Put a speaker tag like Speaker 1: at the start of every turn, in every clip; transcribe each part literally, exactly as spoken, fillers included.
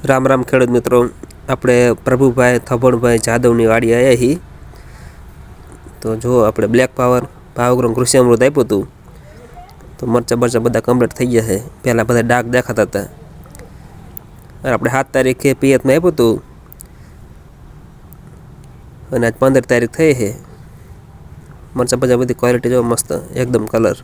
Speaker 1: રામ રામ ખેડૂત મિત્રો, આપણે પ્રભુભાઈ થભણભાઈ જાદવની વાડી આવ્યા હી. તો જો આપણે બ્લેક પાવર ભાવગ્રોમ કૃષિ અમૃત આપ્યું હતું તો મરચાં બરચાં બધા કમ્પ્લીટ થઈ ગયા છે. પહેલાં બધા ડાઘ દેખાતા હતા. આપણે સાત તારીખે પિયતમાં આપ્યું હતું અને આજ પંદર તારીખ થઈ છે. મરચાં બધા બધી ક્વોલિટી જો મસ્ત એકદમ કલર.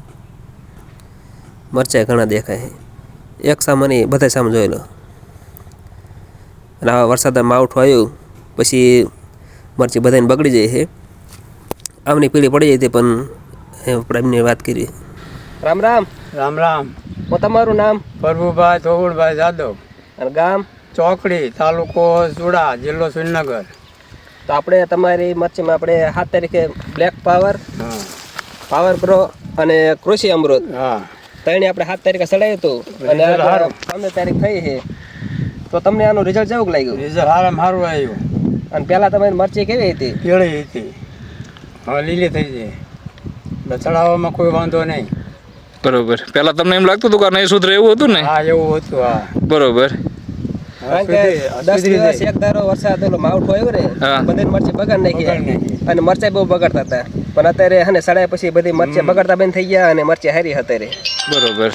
Speaker 1: મરચાં ઘણા દેખાય છે. એક સામાન નહીં, બધા સામાન જોઈ લો. અને આવા વરસાદમાં માવઠું આવ્યું પછી મરચી બધાને બગડી જાય છે. આમની પીળી પડી જાય હતી પણ આપણે એમની વાત કરી. રામ રામ.
Speaker 2: રામ રામ.
Speaker 1: હું તમારું નામ?
Speaker 2: પ્રભુભાઈ થોગુડભાઈ જાદવ.
Speaker 1: અને ગામ?
Speaker 2: ચોકડી, તાલુકો ચુડા, જિલ્લો સુરેન્દ્રનગર.
Speaker 1: તો આપણે તમારી મરચીમાં આપણે સાત તારીખે બ્લેક પાવર,
Speaker 2: હા,
Speaker 1: પાવર પ્રો અને કૃષિ અમૃત
Speaker 2: હા,
Speaker 1: ત્રણે આપણે સાત તારીખે ચડાવ્યું હતું અને
Speaker 2: રિઝલ્ટ સારું.
Speaker 1: પંદર તારીખ થઈ છે. તો તમને આનું રિઝલ્ટ કેવું લાગ્યું?
Speaker 2: રિઝલ્ટ સારામાં સારું આવ્યું.
Speaker 1: અને પહેલાં તમારી મરચી કેવી હતી?
Speaker 2: પીળી હતી, હવે લીલી થઈ જાય. ચડાવવામાં કોઈ વાંધો નહીં.
Speaker 3: બરોબર. પેલા તમને એમ લાગતું હતું કે નહીં સુધરે એવું હતું ને?
Speaker 2: હા, એવું હતું. હા,
Speaker 3: બરોબર.
Speaker 1: કારણ કે દસ દિવસ એક ધારો વરસાદ ઓલો માવઠું આવ્યું ને,
Speaker 3: હા.
Speaker 1: બધી મરચી બગાડ નાખી
Speaker 2: બગાડ નાખી.
Speaker 1: અને મરચાં બહુ બગાડતા હતા. પણ અત્યારે હે ને સડાય પછી બધી મરચી બગાડતા બંધ થઈ ગયા અને મરચી હારી અત્યારે.
Speaker 3: બરોબર.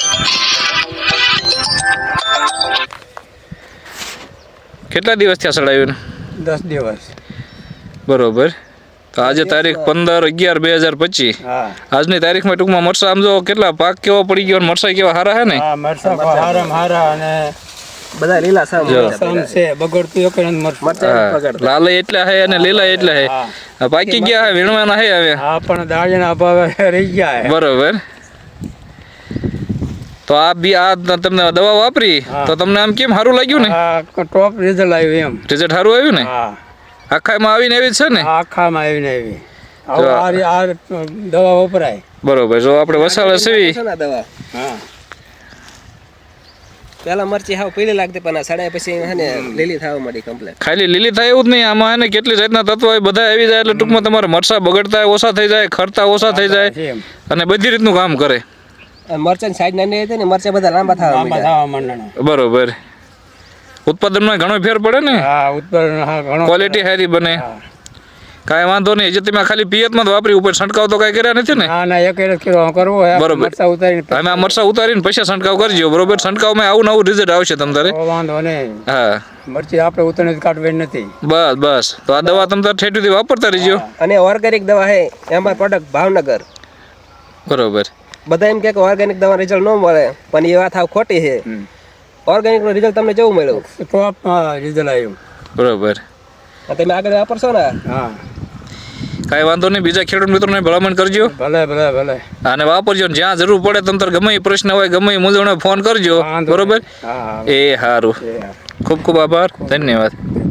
Speaker 3: કેટલા દિવસ થયા સડાવ્યું?
Speaker 2: દસ દિવસ.
Speaker 3: બરોબર. તો આજે તારીખ પંદર અગિયાર બે હજાર પચીસ.
Speaker 2: હા,
Speaker 3: આજની તારીખમાં ટૂંકમાં મરસા આમ જો કેટલા પાક કેવો પડી ગયો, મરસા કેવા સારા હે ને?
Speaker 2: હા, મરચાં હારામાં હારા અને
Speaker 1: બધા લીલા સામ
Speaker 2: સામ છે. બગડતું એક જ મરચાં.
Speaker 1: મરચાં બગાડતા.
Speaker 3: લાલ એટલા હે અને લીલા એટલા હે.
Speaker 2: હા,
Speaker 3: આ પાકી ગયા હે, વીણવાના હે હવે.
Speaker 2: હા, પણ દાળીના અભાવે રહી ગયા છે.
Speaker 3: બરોબર. તો આ બી આ તમને દવા વાપરી
Speaker 2: હા.
Speaker 3: તો તમને આમ કેમ સારું લાગ્યું ને?
Speaker 2: હા, ટોપ રિઝલ્ટ આવ્યું એમ.
Speaker 3: રિઝલ્ટ સારું આવ્યું ને?
Speaker 2: હા,
Speaker 3: આખામાં આવીને એવી જ છે ને?
Speaker 2: આખામાં આવીને આવી.
Speaker 3: જો
Speaker 2: હવે આ રી- આ દવા વપરાય.
Speaker 3: બરોબર. જો આપણે વસાળે સેવી
Speaker 1: છે ને દવા.
Speaker 2: હા,
Speaker 1: પેલા મરચી હાવ પીળી લાગતી પણ આ સડાય પછી હે ને લીલી થવા માંડી કમ્પ્લીટ.
Speaker 3: ખાલી લીલી થાય એવું જ નહીં, આમાં એને કેટલી જાતના તત્વો હોય બધા આવી જાય એટલે ટૂંકમાં તમારે મરસા બગડતા ઓછા થઈ જાય, ખરતા ઓછા થઈ જાય
Speaker 2: એમ.
Speaker 3: અને બધી રીતનું કામ કરે.
Speaker 1: અને મરચાની સાઈઝ નાની હતી ને મરચા બધા લાંબા થવા
Speaker 2: લાંબા
Speaker 1: માંડ્યા.
Speaker 2: થવા માંડણા.
Speaker 3: બરોબર. ઉત્પાદનમાં ઘણો ફેર પડે ને,
Speaker 2: હા, ઉત્પાદન હા ઘણો.
Speaker 3: ક્વોલિટી સારી બને.
Speaker 2: હા.
Speaker 3: કાંઈ વાંધો નહીં. હજી તમે ખાલી પિયતમાં જ વાપરી, ઉપર છંટકાવ તો કાંઈ કર્યા નથી ને?
Speaker 2: ના ના, એક એક કિલો કરવો હોય.
Speaker 3: બરોબર.
Speaker 2: મરચાં ઉતારીને
Speaker 3: તમે આ મરસા ઉતારીને પછી છંટકાવ કરજો. બરોબર. છંટકાવમાં આવું નવું રિઝલ્ટ આવશે તમારે.
Speaker 2: તો વાંધો નહીં.
Speaker 3: હા,
Speaker 2: મરચી આપણે ઉતારીને જ કાઢવાની નથી.
Speaker 3: બસ બસ. તો આ દવા તમે તાર ઠેઠીથી વાપરતા રહીજો.
Speaker 1: અને ઓર્ગેનિક દવા હે એમાં પ્રોડક્ટ ભાવનગર.
Speaker 3: બરોબર.
Speaker 1: બધા એમ કહે કે ઓર્ગેનિક દવા રિઝલ્ટ ન મળે પણ એ વાત હાવ ખોટી છે.
Speaker 2: હમ.
Speaker 1: ઓર્ગેનિક નું રિઝલ્ટ તમને કેવું મળ્યું?
Speaker 2: ટોપ રિઝલ્ટ આવ્યું.
Speaker 3: બરોબર.
Speaker 1: આ તમે આગળ વાપરશો ને?
Speaker 2: હા,
Speaker 3: કાંઈ વાંધો નહીં. બીજા ખેડૂત મિત્રોને ભલામણ કરજો
Speaker 2: ભલે ભલે ભલે.
Speaker 3: અને વાપરજો. ને જ્યાં જરૂર પડે તમ તાર ગમે એ પ્રશ્ન હોય, ગમે એ મૂંઝવણ હોય, ફોન કરજો.
Speaker 2: વાંધો
Speaker 3: બરોબર.
Speaker 2: નહીં. હા, હા.
Speaker 3: એ સારું.
Speaker 2: એ હા.
Speaker 3: ખૂબ ખૂબ આભાર. ધન્યવાદ.